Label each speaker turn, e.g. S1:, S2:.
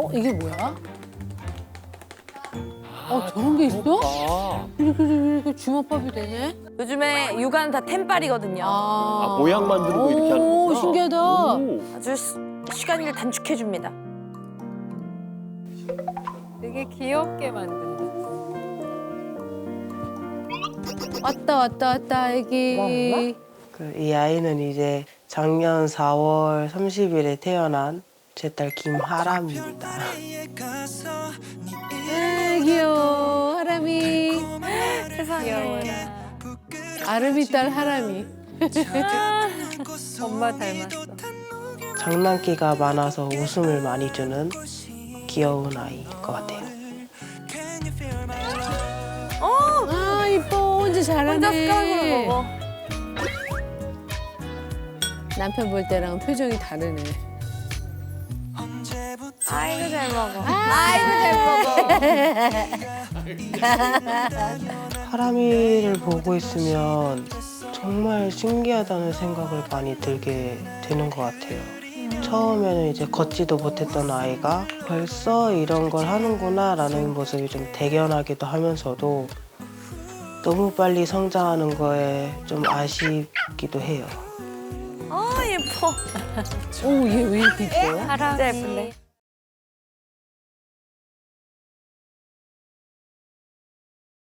S1: 이게 뭐야? 저런 게 있어?
S2: 아,
S1: 이렇게 주먹밥이 되네?
S3: 요즘에 육아는 다 템빨이거든요.
S2: 모양 만드는 거 이렇게 하는
S1: 오,
S2: 거구나.
S1: 신기하다.
S2: 오.
S3: 아주 시간을 단축해줍니다.
S4: 되게 귀엽게 만든다.
S1: 왔다, 애기.
S5: 이 아이는 이제 작년 4월 30일에 태어난 제 딸 김하람입니다.
S1: 귀여워, 하람이.
S4: 세상에.
S1: 아름이 딸 하람이.
S4: 엄마 닮았어.
S5: 장난기가 많아서 웃음을 많이 주는 귀여운 아이인 것 같아요.
S1: 아, 이뻐. 혼자 잘하네.
S3: 혼자 숟가락으로 먹어.
S1: 남편 볼 때랑 표정이 다르네.
S3: 아이고 잘 먹어.
S5: 하람이를 보고 있으면 정말 신기하다는 생각을 많이 들게 되는 것 같아요. 처음에는 이제 걷지도 못했던 아이가 벌써 이런 걸 하는구나라는 모습이 좀 대견하기도 하면서도 너무 빨리 성장하는 거에 좀 아쉽기도 해요.
S3: 예뻐.
S1: 오, 얘 왜 이렇게 이뻐?
S3: 진짜 예쁜데.